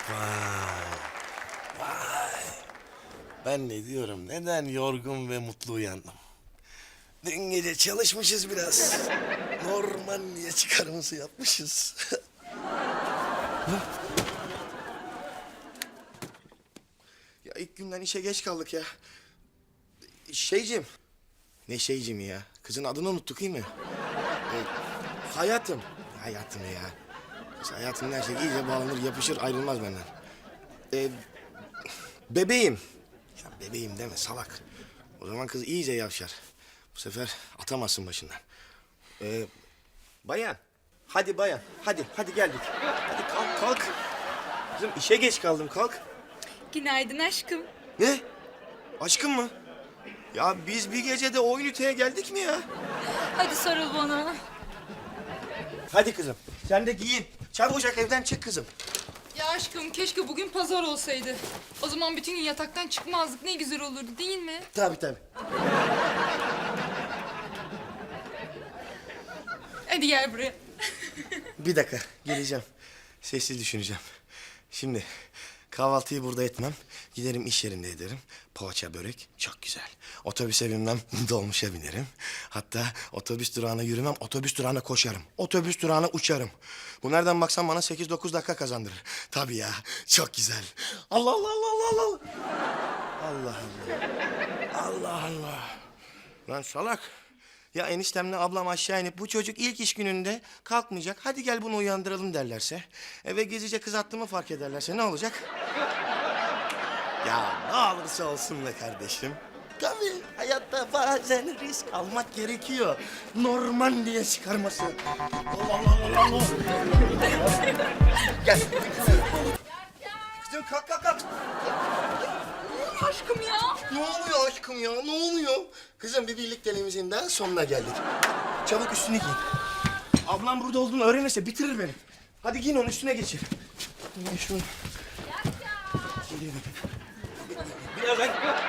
Vay. Vay. Ben ne diyorum? Neden yorgun ve mutlu uyandım? Dün gece çalışmışız biraz. Normandiya çıkarımızı yapmışız. Ya ilk günden işe geç kaldık ya. Şeycim. Ne şeycim ya? Kızın adını unuttuk değil mi? Hayatım. Hayatım ya. Kız hayatım her şey iyice bağlanır, yapışır, ayrılmaz benden. Bebeğim. Ya bebeğim deme salak. O zaman kız iyice yavşar. Bu sefer atamazsın başından. Bayan. Hadi bayan. Hadi geldik. Hadi kalk. Kızım işe geç kaldım kalk. Günaydın aşkım. Ne? Aşkım mı? Ya biz bir gecede o üniteye geldik mi ya? Hadi sarıl bana. Hadi kızım. Sen de giyin. Çabucak evden çık kızım. Ya aşkım keşke bugün pazar olsaydı. O zaman bütün gün yataktan çıkmazdık. Ne güzel olurdu değil mi? Tabii. Hadi gel buraya. Bir dakika geleceğim. Sessiz düşüneceğim. Şimdi kahvaltıyı burada etmem. Giderim iş yerinde ederim. Poğaça börek çok güzel. Otobüse binmem, dolmuşa binerim. Hatta otobüs durağına yürümem, otobüs durağına koşarım. Otobüs durağına uçarım. Bu nereden baksan bana 8-9 dakika kazandırır. Tabii ya, çok güzel. Allah. Allah. Lan salak. Ya eniştemle ablam aşağı inip bu çocuk ilk iş gününde kalkmayacak. Hadi gel bunu uyandıralım derlerse. Eve gezice kız attığımı fark ederlerse ne olacak? Ya ne olursa olsun be kardeşim. Tabii hayatta bazen risk almak gerekiyor. Normandiya çıkarması. Allah. Gel. Kızım kalk. Aşkım ya. Ne oluyor aşkım ya? Ne oluyor? Kızım bir birlikteliğimizin daha sonuna geldik. Çabuk üstüne giyin. Ablam burada olduğunu öğrenirse bitirir beni. Hadi giyin onun üstüne geçir. Ben şunu... Geliyorum. Birazdan...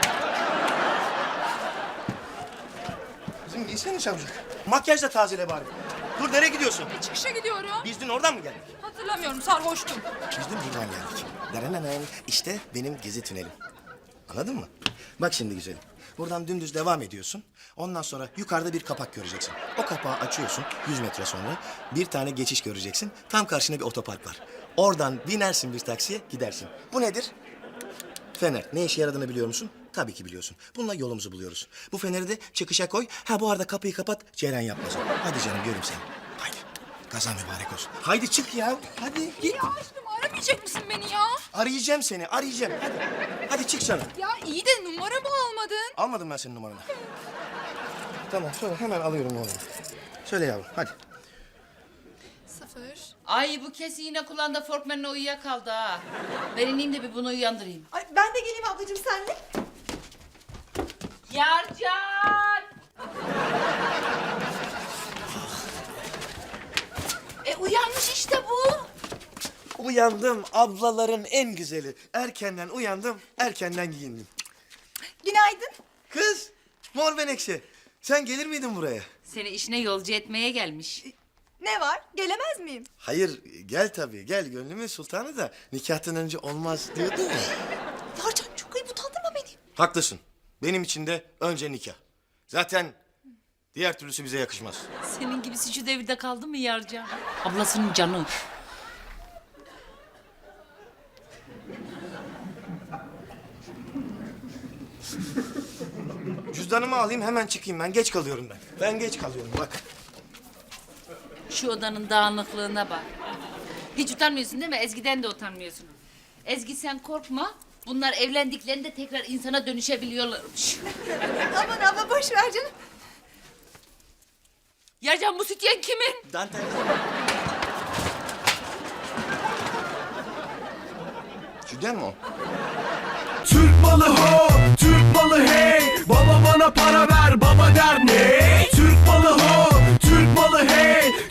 Kızım giysene çabucak. Makyaj da tazele bari. Dur nereye gidiyorsun? Çıkışa gidiyorum. Biz dün oradan mı geldik? Hatırlamıyorum sarhoştum. Biz dün buradan geldik. Derenenen işte benim gezi tünelim. Anladın mı? Bak şimdi güzelim. Buradan dümdüz devam ediyorsun. Ondan sonra yukarıda bir kapak göreceksin. O kapağı açıyorsun 100 metre sonra. Bir tane geçiş göreceksin. Tam karşında bir otopark var. Oradan binersin bir taksiye gidersin. Bu nedir? Fener. Ne işe yaradığını biliyor musun? Tabii ki biliyorsun. Bununla yolumuzu buluyoruz. Bu feneri de çıkışa koy. Ha bu arada kapıyı kapat. Ceren yapmaz. Hadi canım göreyim seni. Haydi. Kazan mübarek olsun. Haydi çık ya. Hadi git. Ya aşkım aramayacak mısın beni ya? Arayacağım seni. Hadi. Hadi çık canım. Ya iyi de numaramı almadın. Almadım ben senin numaranı. Tamam söyle hemen alıyorum numaranı. Söyle yavrum hadi. 0. Ay bu kesin yine kulağında Forkman'la uyuyakaldı ha. Ben ineyim de bir bunu uyandırayım. Ay, ben de geleyim ablacığım senle. Yarcan! Uyanmış işte bu. Uyandım ablaların en güzeli. Erkenden uyandım, erkenden giyindim. Günaydın. Kız, Mor Menekşe. Sen gelir miydin buraya? Seni işine yolcu etmeye gelmiş. Ne var? Gelemez miyim? Hayır, gel tabii. Gel gönlümün sultanı da nikahtan önce olmaz diyordun ya. Yarcan çok ayıp utandırma beni. Haklısın. Benim için de önce nikah. Zaten diğer türlüsü bize yakışmaz. Senin gibisi şu devirde kaldı mı Yarcan? Ablasının canı. Cüzdanımı alayım hemen çıkayım ben. Geç kalıyorum ben. Ben geç kalıyorum bak. Şu odanın dağınıklığına bak. Hiç utanmıyorsun değil mi? Ezgi'den de utanmıyorsun. Ezgi sen korkma. Bunlar evlendiklerinde tekrar insana dönüşebiliyorlarmış. Aman abla boş ver canım. Yarcan bu sütyen kimin? Dantel. Cüden mi o? Türk malı ho, Türk malı hey. Baba bana para ver, baba der ne? Türk malı ho, Türk malı hey.